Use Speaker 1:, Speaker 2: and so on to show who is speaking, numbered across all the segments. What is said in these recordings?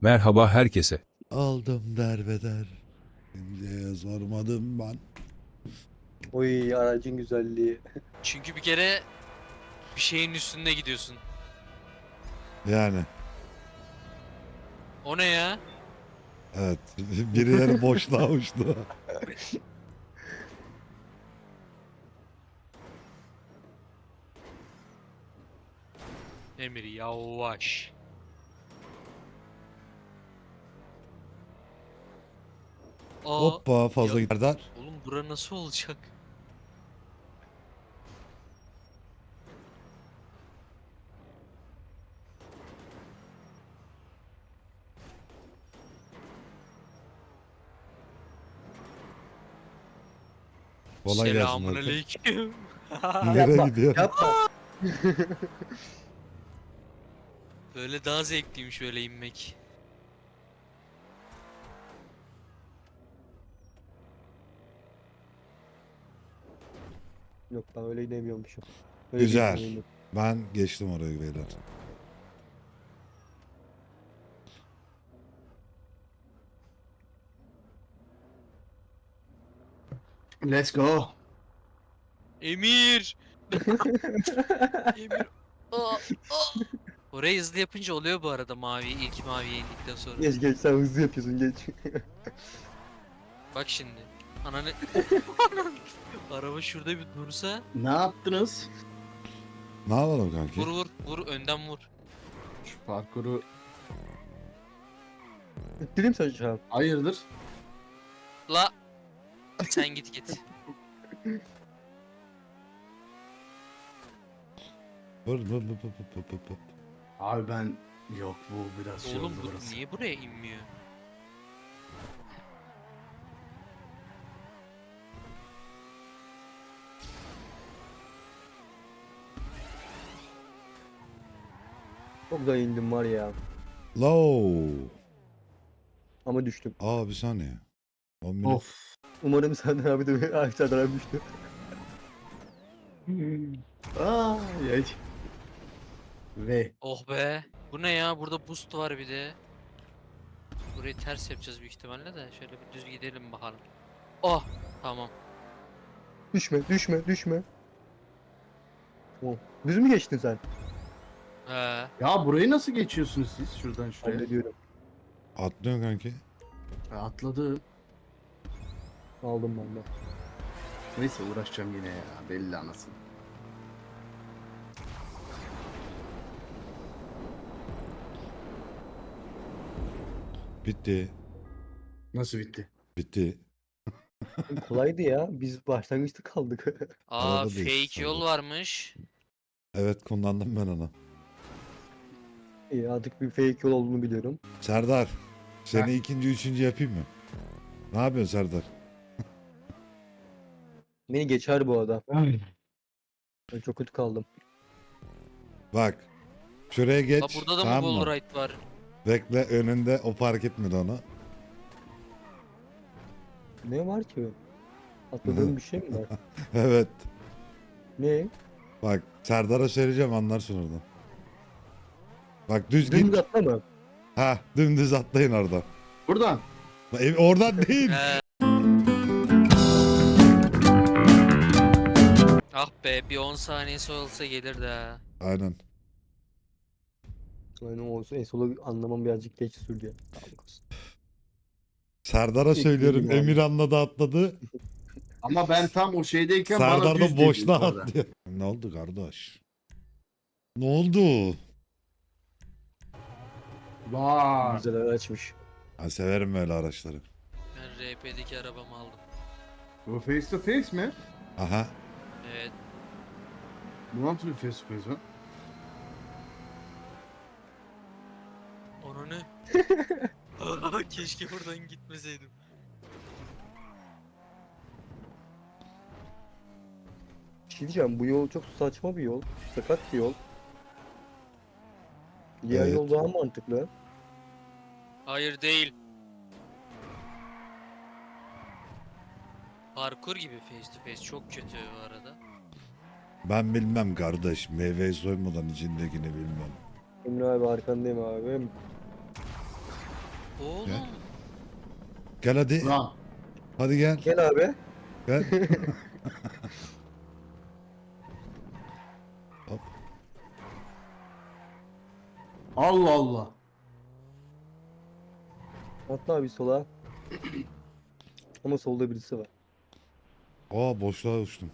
Speaker 1: Merhaba herkese.
Speaker 2: Aldım derbeder. Kimseye sormadım ben.
Speaker 3: Oy aracın güzelliği.
Speaker 4: Çünkü bir kere bir şeyin üstünde gidiyorsun.
Speaker 2: Yani
Speaker 4: O ne ya?
Speaker 2: evet birileri boşluğa uçtu.
Speaker 4: Emir yavaş. Aa,
Speaker 2: Hoppa fazla
Speaker 4: ya-
Speaker 2: gider.
Speaker 4: oğlum bura nasıl olacak?
Speaker 2: Kolay gelsin
Speaker 4: Selamun
Speaker 2: Hakan.
Speaker 4: aleyküm.
Speaker 2: Nereye gidiyor?
Speaker 3: Yapma.
Speaker 4: Böyle daha zevkliymiş öyle inmek.
Speaker 3: Yok ben öyle inemiyormuşum. Öyle
Speaker 2: Güzel.
Speaker 3: geçmiyorum.
Speaker 2: Ben geçtim oraya beyler.
Speaker 5: Let's go.
Speaker 4: Emir! Emir! Aa, aa. Orayı hızlı yapınca oluyor bu arada ilk maviye indikten sonra.
Speaker 3: Geç geç sen hızlı yapıyorsun geç.
Speaker 4: Bak şimdi. Ananı... Araba şurada bir dursa.
Speaker 5: Ne yaptınız?
Speaker 2: Ne yapalım kanki?
Speaker 4: Vur vur vur önden vur.
Speaker 5: Şu parkuru
Speaker 3: İttireyim sen şu an.
Speaker 5: hayırdır?
Speaker 4: La. Sen git git.
Speaker 2: Vur.
Speaker 5: Abi ben yok bu biraz şey
Speaker 4: Oğlum
Speaker 5: oldu
Speaker 4: bu
Speaker 5: burası.
Speaker 4: niye buraya inmiyor?
Speaker 3: Çok da indim var ya.
Speaker 2: Low.
Speaker 3: Ama düştüm.
Speaker 2: Aa bir saniye. 10 minut.
Speaker 5: Of.
Speaker 3: Umarım Serdar abi de Serdar abi düştü.
Speaker 5: Aa, yay. Ve
Speaker 4: Oh be. Bu ne ya? Burada boost var bir de. Burayı ters yapacağız büyük ihtimalle de. Şöyle bir düz gidelim bakalım. Oh. Tamam.
Speaker 3: Düşme düşme düşme. Tamam. Düz mü geçtin sen?
Speaker 4: He.
Speaker 5: ya burayı nasıl geçiyorsunuz siz şuradan şuraya?
Speaker 3: Hallediyorum.
Speaker 2: Atlıyorsun kanki.
Speaker 5: Atladım.
Speaker 3: Aldım ben de.
Speaker 5: Neyse uğraşacağım yine ya belli anasını.
Speaker 2: Bitti.
Speaker 5: Nasıl bitti?
Speaker 2: Bitti.
Speaker 3: Kolaydı ya. Biz başlangıçta kaldık.
Speaker 4: Aa
Speaker 2: Araba değişti
Speaker 4: fake yol
Speaker 2: sandım.
Speaker 4: varmış.
Speaker 2: Evet kullandım ben onu.
Speaker 3: İyi artık bir fake yol olduğunu biliyorum.
Speaker 2: Serdar. Seni
Speaker 5: Heh.
Speaker 2: ikinci, üçüncü yapayım mı? Ne yapıyorsun Serdar?
Speaker 3: Beni geçer bu arada. Ben çok kötü kaldım.
Speaker 2: Bak. Şuraya geç.
Speaker 4: La burada da mı
Speaker 2: tamam mı?
Speaker 4: wallride var?
Speaker 2: Bekle önünde o fark etmedi onu.
Speaker 3: Ne var ki? Atladığım bir şey mi var?
Speaker 2: Evet.
Speaker 3: Ne?
Speaker 2: Bak Serdar'a söyleyeceğim anlarsın oradan. Bak düz
Speaker 3: Dümdüz
Speaker 2: git.
Speaker 3: atlama.
Speaker 2: Ha dümdüz atlayın oradan.
Speaker 5: Buradan.
Speaker 2: Oradan değil.
Speaker 4: He. Ah be bir 10 saniyesi olsa gelir de.
Speaker 2: Aynen.
Speaker 3: Aynen olsun. En solu anlamam birazcık geç sürdü ya. Sağlık olsun.
Speaker 2: Serdar'a söylüyorum
Speaker 3: Bekleyelim abi.
Speaker 2: Emir anladı atladı.
Speaker 5: Ama ben tam o şeydeyken bana
Speaker 2: Serdar
Speaker 5: düz
Speaker 2: da
Speaker 5: dedi
Speaker 2: boşluğa
Speaker 5: orada.
Speaker 2: atlıyor. Ne oldu kardeş? Ne oldu?
Speaker 5: Vay.
Speaker 3: Güzel araçmış.
Speaker 2: Ben severim böyle araçları.
Speaker 4: Ben RP'deki arabamı aldım.
Speaker 5: Bu face to face mi?
Speaker 2: Aha.
Speaker 4: Evet.
Speaker 5: Bu nasıl bir face to face mi?
Speaker 4: Onu ne? Keşke buradan gitmeseydim.
Speaker 3: Bir şey diyeceğim. Bu yol çok saçma bir yol. Sakat bir yol. Diğer
Speaker 2: Evet.
Speaker 3: yol daha mantıklı.
Speaker 4: Hayır değil. Parkur gibi face to face çok kötü bu arada.
Speaker 2: Ben bilmem kardeş. Meyveyi soymadan içindekini bilmem.
Speaker 3: Emre abi arkandayım abi.
Speaker 4: Oğlum.
Speaker 2: Gel hadi.
Speaker 5: Ulan.
Speaker 2: Hadi gel.
Speaker 3: Gel abi.
Speaker 2: Gel. Hop.
Speaker 5: Allah Allah.
Speaker 3: Atla abi sola. Ama solda birisi var.
Speaker 2: Aa boşluğa uçtum.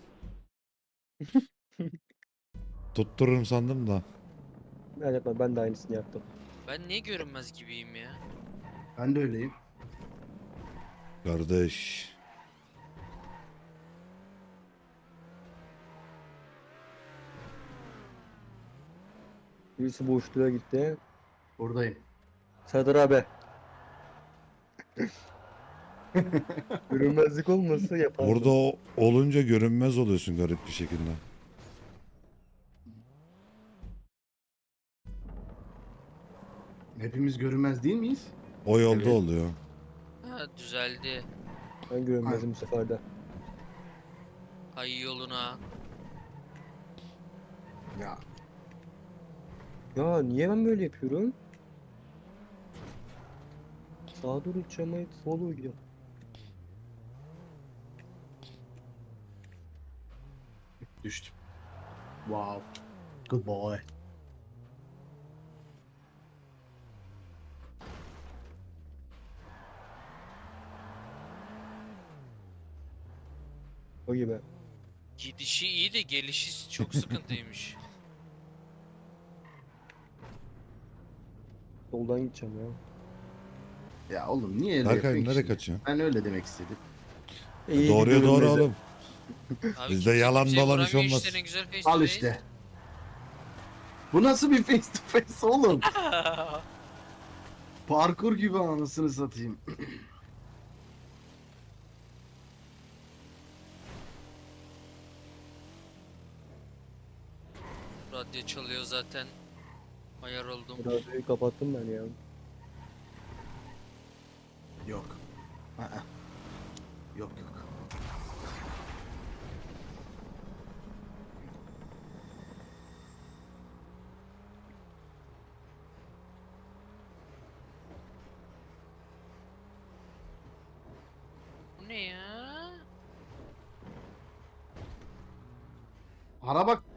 Speaker 2: Tuttururum sandım da.
Speaker 3: Ben yapma, ben de aynısını yaptım.
Speaker 4: Ben niye görünmez gibiyim ya?
Speaker 5: Ben de öyleyim.
Speaker 2: Kardeş.
Speaker 3: Birisi boşluğa gitti.
Speaker 5: Buradayım.
Speaker 3: Serdar abi. Görünmezlik olmasa yapardım.
Speaker 2: Burada olunca görünmez oluyorsun garip bir şekilde.
Speaker 5: Hepimiz görünmez değil miyiz?
Speaker 2: O yolda
Speaker 5: Evet.
Speaker 2: oluyor.
Speaker 4: Ha düzeldi.
Speaker 3: Ben görünmezim bu sefer de.
Speaker 4: Hay yoluna.
Speaker 5: Ya.
Speaker 3: Ya niye ben böyle yapıyorum? Sağa doğru uçamayıp sola doğru gidiyorum.
Speaker 5: Düştüm. Wow. Good boy.
Speaker 3: O gibi.
Speaker 4: Gidişi iyi de gelişi çok sıkıntıymış.
Speaker 3: Soldan gideceğim ya.
Speaker 5: Ya oğlum niye öyle
Speaker 2: Berkay
Speaker 5: yapıyorsun
Speaker 2: nereye
Speaker 5: şimdi?
Speaker 2: kaçıyorsun?
Speaker 5: Ben öyle demek istedim.
Speaker 3: İyi
Speaker 2: Doğruya doğru
Speaker 3: görünmezi.
Speaker 2: oğlum.
Speaker 4: Abi
Speaker 2: Bizde
Speaker 4: kimse
Speaker 2: yalan
Speaker 4: kimseye
Speaker 2: dolan iş
Speaker 4: vuramıyor
Speaker 2: olmaz.
Speaker 4: işte, ne güzel face to
Speaker 5: Al
Speaker 4: face.
Speaker 5: işte. Bu nasıl bir face to face oğlum? Parkur gibi anasını satayım.
Speaker 4: Radyo çalıyor zaten. Ayar oldum.
Speaker 3: Radyoyu kapattım ben ya.
Speaker 5: Yok. Aa. Yok yok.
Speaker 4: Bu ne ya?
Speaker 5: Ara bak.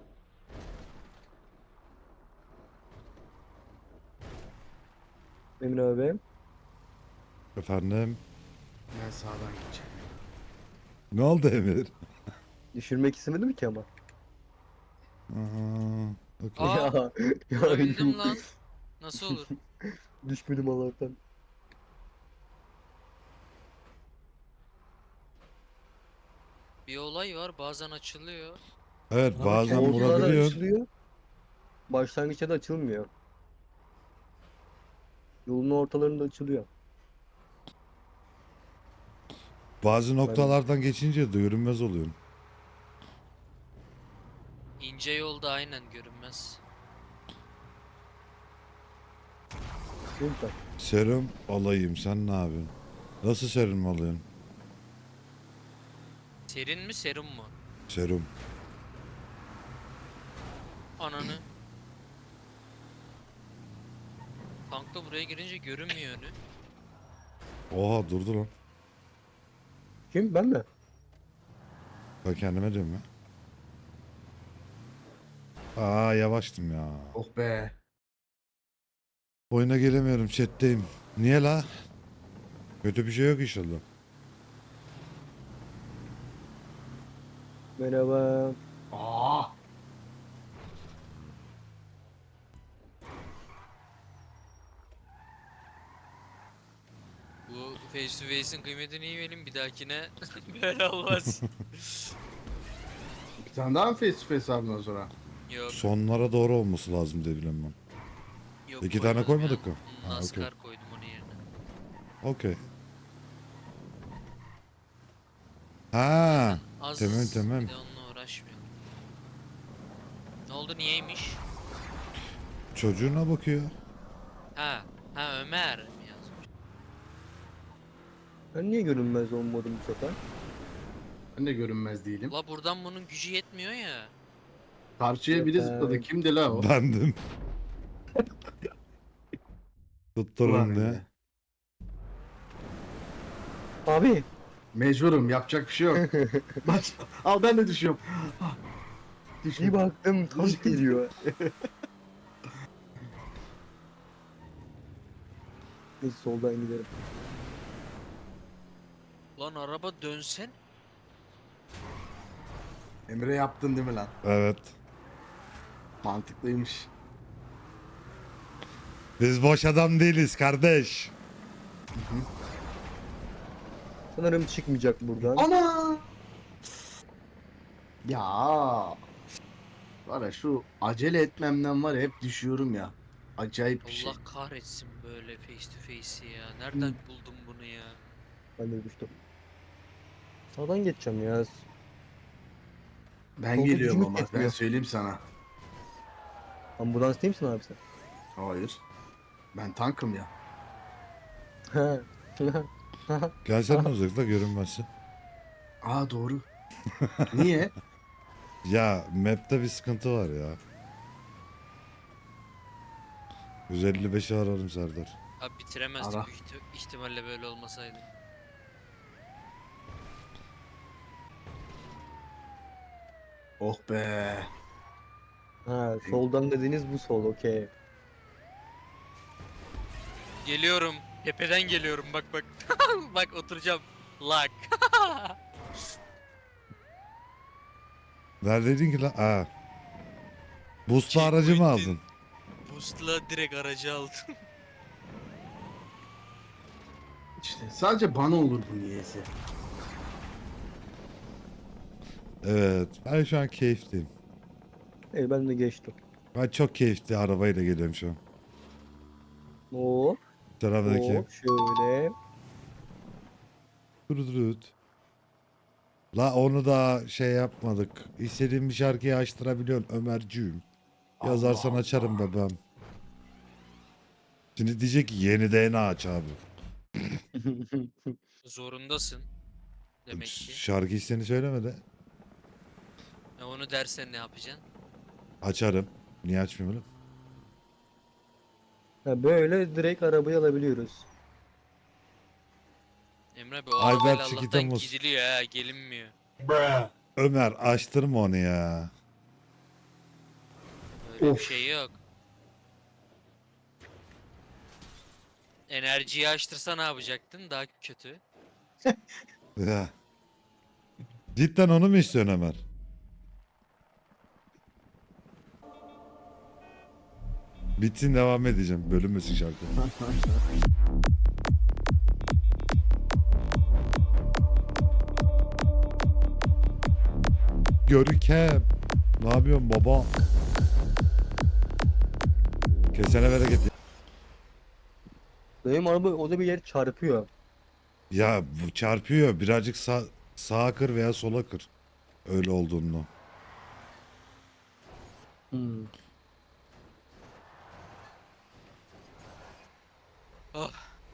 Speaker 3: Emin abi.
Speaker 2: Efendim.
Speaker 5: Ben sağdan gideceğim.
Speaker 2: Ne oldu Emir?
Speaker 3: Düşürmek istemedim ki ama.
Speaker 2: Aha. Okey.
Speaker 4: Aa,
Speaker 3: ya
Speaker 4: vurabildim lan. Nasıl olur?
Speaker 3: düşmedim Allah'tan.
Speaker 4: Bir olay var, bazen açılıyor.
Speaker 2: Evet
Speaker 5: Ama
Speaker 2: bazen
Speaker 5: kendi
Speaker 3: Ortalarda
Speaker 2: vurabiliyorsun.
Speaker 3: açılıyor. Başlangıçta da açılmıyor. Yolun ortalarında açılıyor.
Speaker 2: Bazı noktalardan geçince de görünmez oluyorsun.
Speaker 4: İnce yolda aynen görünmez.
Speaker 3: Değil mi sen?
Speaker 2: Serum alayım sen ne yapıyorsun? Nasıl serum alıyorsun?
Speaker 4: Serin mi serum mu?
Speaker 2: Serum.
Speaker 4: Ananı. Tankta buraya girince görünmüyor önü.
Speaker 2: Oha durdu lan.
Speaker 3: Kim? Ben mi?
Speaker 2: Ben kendime diyorum ya. Aa yavaştım ya.
Speaker 5: Oh be.
Speaker 2: Oyuna gelemiyorum chatteyim. Niye la? Kötü bir şey yok inşallah.
Speaker 3: Merhaba.
Speaker 5: Aa.
Speaker 4: Bu face to face'in kıymetini iyi verin, bir dahakine böyle olmaz.
Speaker 5: Bir tane daha mı face to face abi o sonra?
Speaker 4: Yok.
Speaker 2: Sonlara doğru olması lazım diye biliyorum ben.
Speaker 4: Yok,
Speaker 2: İki tane
Speaker 4: koymadım
Speaker 2: koymadık
Speaker 4: ya.
Speaker 2: mı? Ha,
Speaker 4: NASCAR koydum onun yerine.
Speaker 2: Okey. Ha,
Speaker 4: Az
Speaker 2: tamam, tamam.
Speaker 4: bir de onunla uğraşmıyorum. Ne oldu, niyeymiş?
Speaker 2: çocuğuna bakıyor.
Speaker 4: Ha, ha Ömer mi yazmış?
Speaker 3: Ben niye görünmez olmadım bu sefer?
Speaker 5: Ben de görünmez değilim.
Speaker 4: La buradan bunun gücü yetmiyor ya.
Speaker 5: Karşıya biri
Speaker 3: Yok,
Speaker 5: zıpladı. Kimdi la o?
Speaker 2: Bendim.
Speaker 5: Ulan
Speaker 2: Tutturun diye.
Speaker 5: Emre.
Speaker 3: Abi.
Speaker 5: Mecburum, yapacak bir şey yok. Bak, al ben de düşüyorum. Ah,
Speaker 3: Bir
Speaker 5: düşüyorum.
Speaker 3: baktım tank geliyor. Neyse soldan giderim.
Speaker 4: Lan araba dönsen.
Speaker 5: Emre yaptın değil mi lan?
Speaker 2: Evet.
Speaker 5: Mantıklıymış.
Speaker 2: Biz boş adam değiliz kardeş.
Speaker 3: Sanırım çıkmayacak buradan.
Speaker 5: Ana! Ya var ya, şu acele etmemden var ya, hep düşüyorum ya. Acayip bir şey.
Speaker 4: Allah kahretsin böyle face to face'i ya. Nereden buldum bunu ya?
Speaker 3: Ben de düştüm. Sağdan geçeceğim ya.
Speaker 5: Ben
Speaker 3: Solda
Speaker 5: geliyorum
Speaker 3: gücümüz
Speaker 5: ama ben
Speaker 3: yetmiyor.
Speaker 5: söyleyeyim sana.
Speaker 3: Ambulans değil misin abi sen?
Speaker 5: Hayır. Ben tankım ya.
Speaker 3: Ha.
Speaker 2: Gelsene uzakta görünmezsin.
Speaker 5: Aa, doğru. Niye?
Speaker 2: Ya map'te bir sıkıntı var ya. 155'i ararım Serdar.
Speaker 4: Abi bitiremezdik
Speaker 5: Ara.
Speaker 4: büyük ihtimalle böyle olmasaydı.
Speaker 5: Oh be.
Speaker 3: Ha, soldan dediğiniz bu sol, okey.
Speaker 4: Geliyorum. Tepeden geliyorum bak bak. Bak oturacağım. Lak.
Speaker 2: Neredeydin ki lan? Aa. Boost'lu aracı mı
Speaker 4: Checkpoint'in-
Speaker 2: aldın?
Speaker 4: Boost'la direkt aracı aldım.
Speaker 5: İşte sadece bana olur bu niyeyse.
Speaker 2: Evet. Ben şu an keyifliyim.
Speaker 3: Ben de geçtim.
Speaker 2: Ben çok keyifli arabayla geliyorum şu an.
Speaker 3: Hop
Speaker 2: Taraftaki.
Speaker 3: hop şöyle.
Speaker 2: Durut. La onu da şey yapmadık. İstediğim bir şarkıyı açtırabiliyorsun Ömerciğim. Yazarsan
Speaker 5: Allah
Speaker 2: açarım bebeğim. Şimdi diyecek ki yeni DNA aç abi.
Speaker 4: Zorundasın. Demek ki.
Speaker 2: Şarkı istediğini söylemedi.
Speaker 4: Onu dersen ne yapacaksın?
Speaker 2: Açarım. Niye açmıyorum?
Speaker 3: Ha, böyle direkt arabayı alabiliyoruz.
Speaker 4: Emre be o
Speaker 2: Ayber
Speaker 4: arabayla
Speaker 2: Çikita
Speaker 4: Allah'tan
Speaker 2: Muz.
Speaker 4: gidiliyor ha gelinmiyor.
Speaker 2: Ömer açtırma onu ya.
Speaker 4: Öyle
Speaker 5: Of.
Speaker 4: bir şey yok. Enerjiyi açtırsa ne yapacaktın? Daha kötü.
Speaker 2: Ya. Cidden onu mu istiyorsun Ömer? Bitsin devam edeceğim. Bölünmesin şarkı. Görkem. Ne yapıyorsun baba? Kesene bereket.
Speaker 3: Benim araba o da bir yer çarpıyor.
Speaker 2: Ya bu çarpıyor. Birazcık sağa kır veya sola kır. Öyle olduğunu.
Speaker 3: Hmm.
Speaker 4: Oh.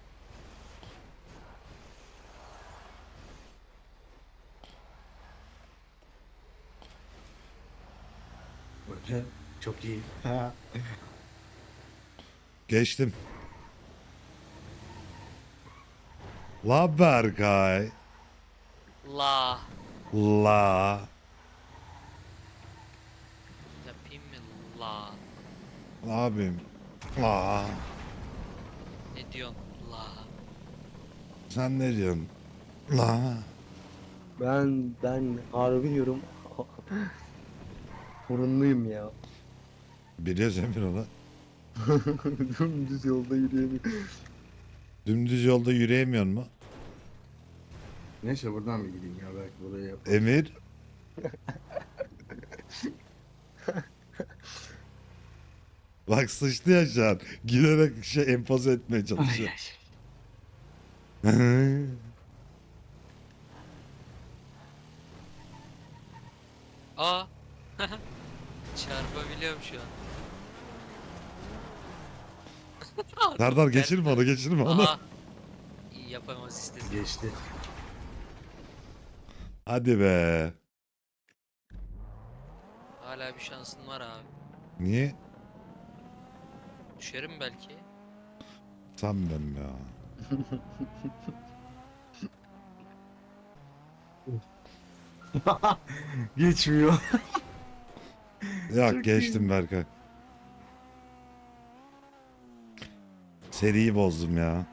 Speaker 5: Böyle. Çok iyi.
Speaker 2: Geçtim. La Berkay.
Speaker 4: La.
Speaker 2: La.
Speaker 4: Yapayım mı? La.
Speaker 2: Ne yapayım? La.
Speaker 4: Ne diyorsun? La.
Speaker 2: Sen ne diyorsun? La.
Speaker 3: Ben harbi diyorum. Sorunluyum ya.
Speaker 2: Biliyoruz Emir onu.
Speaker 3: Dümdüz yolda yürüyemiyorum.
Speaker 2: Dümdüz yolda yürüyemiyor mu?
Speaker 5: Neyse, buradan mı gideyim ya, belki buraya yap.
Speaker 2: Emir. Bak sıçtı ya şu an. Giderek şey empoze etmeye
Speaker 5: Ay,
Speaker 2: çalışıyor.
Speaker 5: ay.
Speaker 4: Aa. Çarpabiliyorum şu an.
Speaker 2: Serdar geçirme onu geçirme onu.
Speaker 4: Aha. İyi yapamaz istedim.
Speaker 5: Geçti.
Speaker 2: Hadi be.
Speaker 4: Hala bir şansın var abi.
Speaker 2: Niye?
Speaker 4: Düşerim belki.
Speaker 2: Sanmıyorum ya.
Speaker 5: Geçmiyor.
Speaker 2: Yok
Speaker 5: Çok
Speaker 2: geçtim
Speaker 5: iyi.
Speaker 2: Berkay. Seriyi bozdum ya.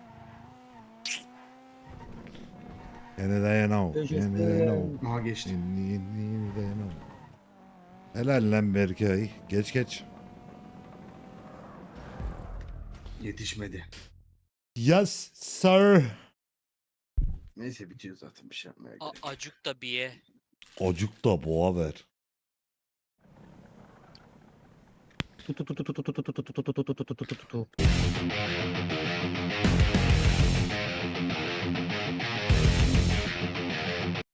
Speaker 2: Gene dayanamam. Gene dayanamam.
Speaker 5: Aha geçtim.
Speaker 2: Yeni dayanamam. Helal lan Berkay. Geç geç.
Speaker 5: Yetişmedi.
Speaker 2: Yes sir.
Speaker 5: Neyse bitiyor zaten, bir şey yapmaya gerek.
Speaker 4: Acuk da biye.
Speaker 2: Ocuk da boğa ver.
Speaker 3: Tu tu tu tu tu tu tu tu tu tu tu tu tu tu tu tu tu.